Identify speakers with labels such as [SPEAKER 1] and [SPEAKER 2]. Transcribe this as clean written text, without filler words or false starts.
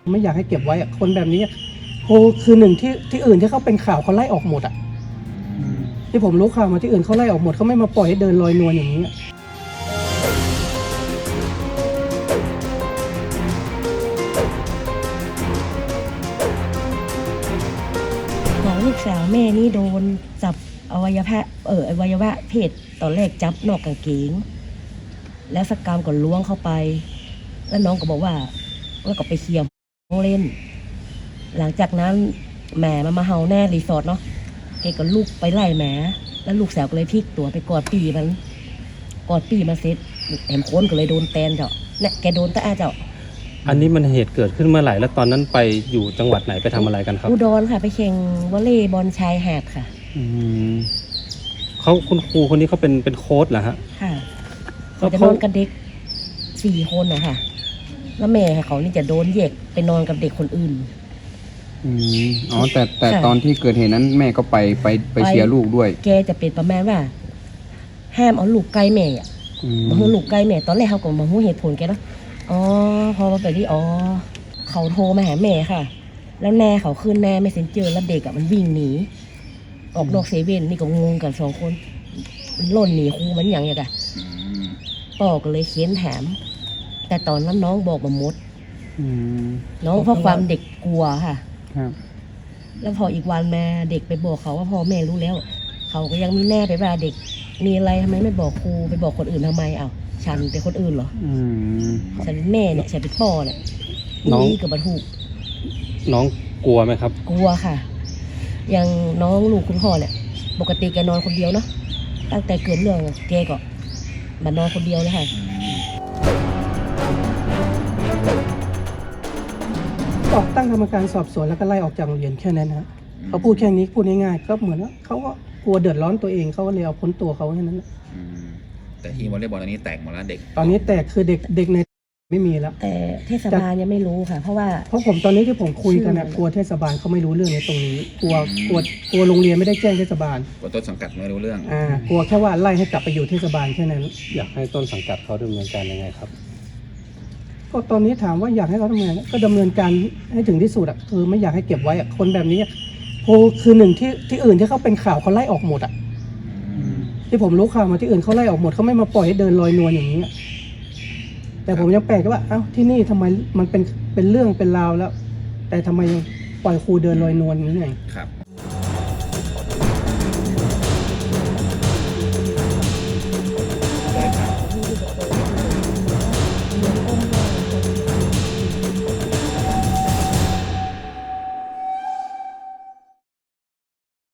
[SPEAKER 1] ไม่อยากให้เก็บไว้อะคนแบบนี้โอ้คือหนึ่งที่อื่นที่เขาเป็นข่าวเขาไล่ออกหมดอ่ะที่ผมรู้ข่าวมาที่อื่นเขาไล่ออกหมดเขาไม่มาปล่อยให้เดินลอยนวลอย่างนี้
[SPEAKER 2] ของลูกสาวแม่นี่โดนจับอวัยวะเพศตอนแรกจับนอกกางเกงแล้วสักกรรมก็ล้วงเข้าไปแล้วน้องก็บอกว่าก็ไปเคลียร์ห้องเล่นหลังจากนั้นแหมมันมาเฮาแน่รีสอร์ทเนาะแกก็ลูกไปไล่แหมแล้วลูกสาวก็เลยพลิกตัวไปกอดปีมันเสร็จแอมโค้นก็เลยโดนแตนเจ้าเนี่ยแกโดนตาเจ้า
[SPEAKER 3] อันนี้มันเหตุเกิดขึ้นเมื่อไหร่แล้วตอนนั้นไปอยู่จังหวัดไหนไปทำอะไรกันครับ
[SPEAKER 2] อุดรค่ะไปแข่งวอลเลย์บอลชายหาดค่ะ
[SPEAKER 3] คุณครูคนนี้เขาเป็นโค้ชเหรอฮะ
[SPEAKER 2] ค่ะเขาจะนอนกับเด็ก4 คนนะคะแล้วแม่เขานี่จะโดนแยกไปนอนกับเด็กคนอื่น
[SPEAKER 4] อ๋อแต่ตอนที่เกิดเหตุนั้นแม่ก็ไปเชียร์ลูกด้วย
[SPEAKER 2] แกจะเป็นประมาณว่าห้ามเอาลูกใกล้แม่อ่ะมาหูลูกใกล้แม่ตอนแรกเขาก็มาหูเหตุผลแกเนาะอ๋อพอมาไปที่เขาโทรมาหาแม่ค่ะแล้วแน่เขาขึ้นแน่ไม่เซ็นเจอแล้วเด็กอ่ะมันวิ่งหนีออกนอกเซเว่นนี่ก็งงกัน2 คนมันล่นหนีครูมันอย่างเงี้ยค่ะพ่อก็เลยเขียนถามแต่ตอนนั้นน้องบอกมาหมดน้องเพราะความเด็กกลัวค่ะแล้วพออีกวันมาเด็กไปบอกเขาว่าพ่อแม่รู้แล้วเขาก็ยังมีแน่ไปว่าเด็กมีอะไรทำไมไม่บอกครูไปบอกคนอื่นทำไมฉันเป็นคนอื่นเหรอฉันเป็นแม่เนี่ยฉันเป็นพ่อเนี่ยนี่กับบรรทุก
[SPEAKER 3] น้องกลัวไหมครับ
[SPEAKER 2] กลัวค่ะอย่างน้องลูกคุณพ่อเนี่ยปกติแกนอนคนเดียวเนาะตั้งแต่เกิดเรื่องแกก็มานอนคนเดียวเลยค่ะ
[SPEAKER 1] ออกตั้งกรรมการสอบสวนแล้วก็ไล่ออกจากโรงเรียนแค่นั้นฮะเขาพูดแค่นี้พูดง่ายๆก็เหมือนว่าเขาก็กลัวเดือดร้อนตัวเองเขาก็เลยเอาพ้นตัวเขาแค่นั้น
[SPEAKER 5] แต่ทีมวอลเลย์บอลตอนนี้แตกหมดแล้วเด็ก
[SPEAKER 1] ตอนนี้แตกคือเด็กในไม่มีแล้ว
[SPEAKER 2] แต่เทศบาลยังไม่รู้ค่ะเพราะ
[SPEAKER 1] ผมตอนนี้ที่ผมคุยกันนะกลัวเทศบาลเขาไม่รู้เรื่องในตรงนี้กลัวโรงเรียนไม่ได้แจ้งเทศบาล
[SPEAKER 5] กลัวต้นสังกัดไม่รู้เรื่อง
[SPEAKER 1] กลัวแค่ว่าไล่ให้กลับไปอยู่เทศบาลแค่นั้น
[SPEAKER 3] อยากให้ต้นสังกัดเขาดำเนินการยังไงครับ
[SPEAKER 1] ก็ตอนนี้ถามว่าอยากให้เขาทำไงก็ดำเนินการให้ถึงที่สุดอ่ะคือไม่อยากให้เก็บไว้อ่ะคนแบบนี้โอ้คือหนึ่งที่อื่นที่เขาเป็นข่าวเขาไล่ออกหมดอ่ะที่ผมรู้ข่าวมาที่อื่นเขาไล่ออกหมดเขาไม่มาปล่อยให้เดินลอยนวลอย่างนี้แต่ผมยังแปลกว่าที่นี่ทำไมมันเป็นเรื่องเป็นราวแล้วแต่ทำไมยังปล่อยครูเดินลอยนวลอย่างนี้ไง
[SPEAKER 5] ครับ